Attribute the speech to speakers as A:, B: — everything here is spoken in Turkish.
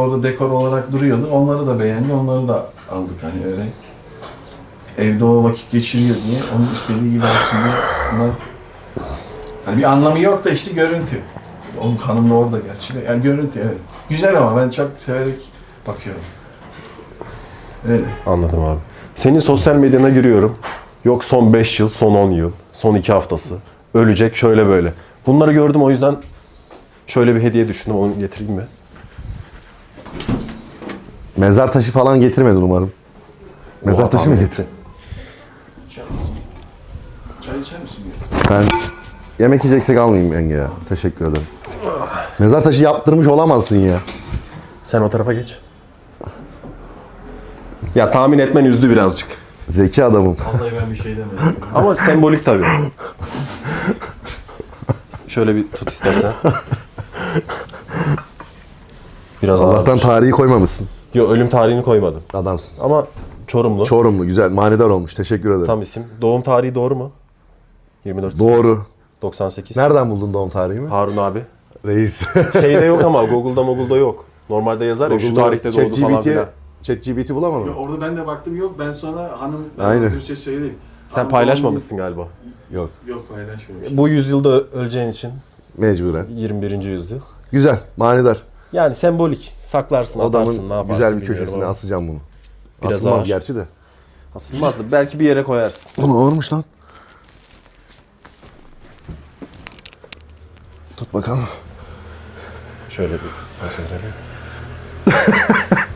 A: orada dekor olarak duruyordu. Onları da beğendi, onları da aldık hani öyle. Evde o vakit geçiriyor diye, onun istediği gibi aslında bunlar... Hani bir anlamı yok da işte görüntü. Onun kanım da orada gerçi de. Yani görüntü evet. Güzel ama ben çok severek bakıyorum. Öyle.
B: Anladım abi. Senin sosyal medyana giriyorum. Yok son 5 yıl, son 10 yıl, son 2 haftası. Ölecek şöyle böyle. Bunları gördüm, o yüzden şöyle bir hediye düşündüm. Onu getireyim mi?
C: Mezar taşı falan getirmedin umarım. Mezar
B: Oha,
C: taşı mı
B: tahmin
C: getirdin?
B: ettim.
A: Çay içer misin?
C: Ben yemek yiyeceksek almayayım yenge ya. Teşekkür ederim. Mezar taşı yaptırmış olamazsın ya.
B: Sen o tarafa geç. Ya tahmin etmen üzdü birazcık.
C: Zeki adamım.
A: Vallahi ben bir şey demedim.
B: Ama sembolik tabii. Şöyle bir tut istersen. Biraz
C: Allah'tan
B: ağır.
C: tarihi koymamışsın.
B: Yok, ölüm tarihini koymadım.
C: Adamsın.
B: Ama Çorumlu.
C: Çorumlu güzel. Manidar olmuş. Teşekkür ederim.
B: Tam isim. Doğum tarihi doğru mu? 24
C: Doğru.
B: 98.
C: Nereden buldun doğum tarihimi?
B: Harun abi.
C: Reis.
B: Şeyde yok ama Google'da yok. Normalde yazar ya şu tarihte doğdu falan filan.
C: ChatGPT bulamadın mı?
A: Orada ben de baktım yok. Ben sonra hanım
C: Aynen.
A: Türkçe söyleyeyim.
B: Sen
A: Hanım
B: paylaşmamışsın galiba.
C: Yok.
A: Yok paylaşmamış.
B: Bu yüzyılda öleceğin için
C: Mecburen.
B: 21. yüzyıl.
C: Güzel. Manidar.
B: Yani sembolik. Saklarsın, atarsın, ne
C: Adamın
B: yaparsın
C: güzel bir
B: bilmiyorum
C: köşesine
B: ama.
C: asacağım bunu.
B: Biraz
C: Asılmaz
B: ağır.
C: gerçi de.
B: Asılmaz da belki bir yere koyarsın.
C: Oğlum ağırmış lan. Tut bakalım.
B: Şöyle bir poz verelim.